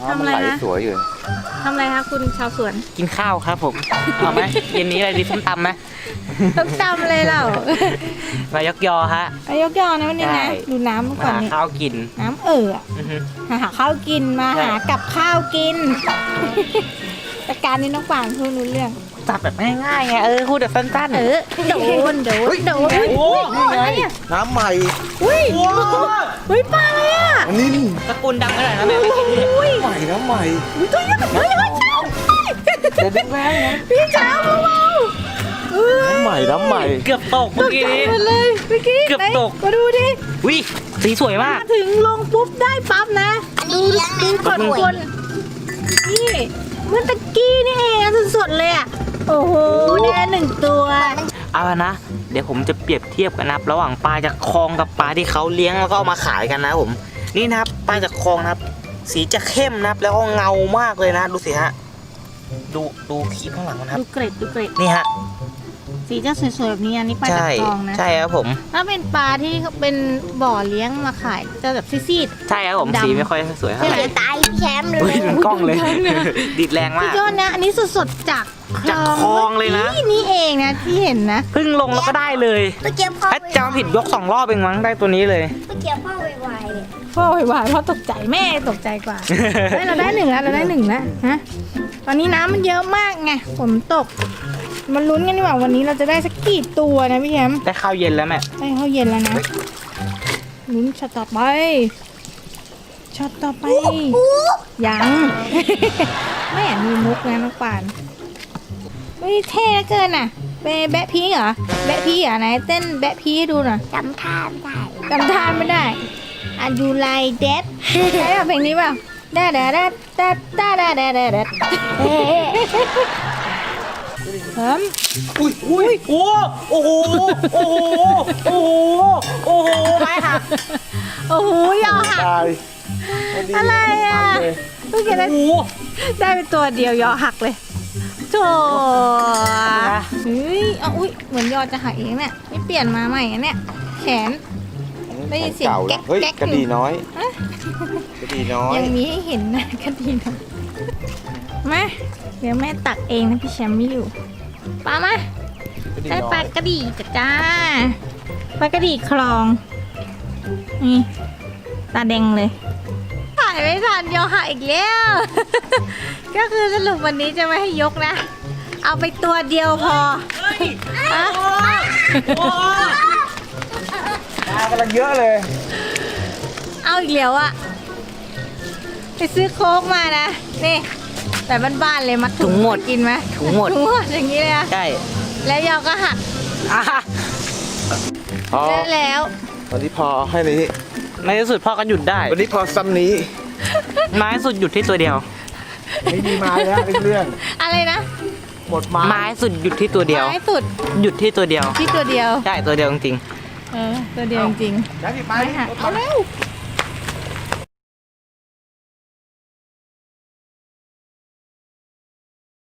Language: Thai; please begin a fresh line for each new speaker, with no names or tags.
ทำอะไร
มันไหล
นะ
สวยอยู่
ทำอะไรคะคุณชาวสวน
กินข้าวครับผมเอาไหมเย็นนี้อะไรดีส้มตำไหม
ต้องจำเลยเรา
มายกยอฮะ
อายกยอนะวันนี้
ใช่
นะดูน้ำ
มา
ก่อน
หา
นี่
ข้าวกิน
น้ำอะ
อือฮึ
หาข้าวกินมา
ใช่
หากับข้าวกิน แต่การนี้น้องกวางพูดรู้เรื่อง
จับแบบง่ายๆไงพูดแบบสั้นๆ
โดนโดนโดน
โอ้ย
อะไรอ่ะ
น้ำใหม่
อุ้ยอุ้ยปลาอะไรอ่ะ
อันนี้
ตระกูลดังขนาดนั้นแม่ไม่กินดิ
อุ้ย
ใหม่น้ำใหม่
ตัวใหญ่ตัวใหญ่เช้า
เดี๋ยวดึงแรงนะ
พี่เช้าเบาๆเอ้ย
น้ำใหม่น้ำใหม่
เกือบตกเมื่อกี้นี้
หมดเลยเมื่อกี้
เกือบ
ไหน
ตก
มาดูดิ
วิสีสวยมาก
มาถึงลงปุ๊บได้ปั๊บนะดูก่อนคนนี่เมื่อตะกี้นี่เองสดๆเลยอ่ะโอ้โหได้หนึ่งตัว
เอาละนะ เดี๋ยวผมจะเปรียบเทียบกันนะครับระหว่างปลาจากคลองกับปลาที่เขาเลี้ยงแล้วก็เอามาขายกันนะผม นี่นะครับปลาจากคลองนะครับ สีจะเข้มนะครับ แล้วก็เงามากเลยนะ ดูสิฮะ ดูขีบข้างหลังมันครับ
ดูเกร็ดดูเกร็ด
นี่ฮะ
สีจะสวยๆแบบนี้อันนี้ปลาจาก
ใช่
คลองนะ
ใช่ครับผม
ถ้าเป็นปลาที่เขาเป็นบ่อเลี้ยงมาขายจะแบบซีด
ใช่ครับผม
ดำ
สีไม่ค่อยสวยเท่าไหร่
ตายแชมป์เลย
เฮ้ยมันกล้องเลย ดิดแรง
สุ
มา
ด
ก
ยอดนะอันนี้สดๆจาก
จากคลองเลยนะ
นี่เองนะที่เห็นนะ
เพิ่งลงแล้วก็ได้เลย
เมื่อกี้พ่อ
ถ้าจำผิดยก2 รอบเองมั้งได้ตัวนี้เลย
เมื่อกี้พ่อไวๆเนี่ย
พ่อไหวๆพ่อตกใจแม่ตกใจกว่า เฮ้ยเราได้หนึ่งแล้วเราได้หนึ่งแล้วฮะตอนนี้น้ำมันเยอะมากไงฝนตกมันลุ้นกันดีกว่าวันนี้เราจะได้สักกี่ตัวนะพี่แชมป์
ได้ข้าวเย็นแล้วแม่
ได้ข้าวเย็นแล้วนะลุ้นช็อตต่อไปช็อตต่อไปยัง แม่มีมุกนะน้องปานเฮ้ยเท่เหลือเกินอ่ะไปแบะพีเหรอแบะพีเหรอไหนเต้นแบะพีให้ดูหน่อย
จำท่าไม่ได้
จำทานไม่ได้อายุไลเด็ดใช่ป่ะเพลงนี้ป่ะดาดาดาดาดาดาดาดาดาเฮ้ม
อุ้ยโอ้โอ้โหโอ้โหโอ้โหโอ้โหไปค่ะ
โอ้โหยอหัก
ตาย
อะไรอ่ะเพิ่งเห็นได้
โอ้โห
ได้เป็นตัวเดียวยอหักเลยโธ่เฮ้ยเอาอุ้ยเหมือนยอจะหักเองเนี่ยนี่เปลี่ยนมาใหม่อันเนี่ยแขน ได้ยินเสียง
เก่า
แก๊
แล้ว
ก
เฮ้ย
แก๊ก
กระดีน้อย
ฮะ
กระดีน้อย
ยังมีให้เห็นนะคดีนะมาเดี๋ยวแม่ตักเองนะพี่แชมป์ไม่อยู่ปลามา
กระดี
ได้
น้
ป
อ
ลาย กระดีจ้าปลากระดีคลองนี่ตาแดงเลยถ่ายไม่ทันยอหักอีกแล้ว ก็คือสรุปวันนี้จะไม่ให้ยกนะ เอาไปตัวเดียวพอฮะ
ปลากำลังเยอะเลย
เอาอีกแล้วอะไปซื้อโค้กมานะนี่แต่บ้านๆเลยมัดถุงหมดกินไหม
ถุงหมด
ถุงหมดอย่างนี้เลยอะ
ใช่
แล้วยอก็หัก
อ่ะ
พอ
แล้ว
วันนี้พอให้นี้
ในที่สุดพ่อก็หยุดได้
วันนี้พอซ้ำนี้
ไม้สุดหยุดที่ตัวเดียว
ไม่มีไม้แล้วเรื่อง
อะไรนะ
หมดไม้
ไม้สุดหยุดที่ตัวเดียว
ไม้สุด
หยุดที่ตัวเดียว
ที่ตัวเดียว
ใช่ตัวเดียวจริง
ตัวเดียวจริง
แล้วพี่
ๆ
ไม้
ไม่หักเอาเร็ว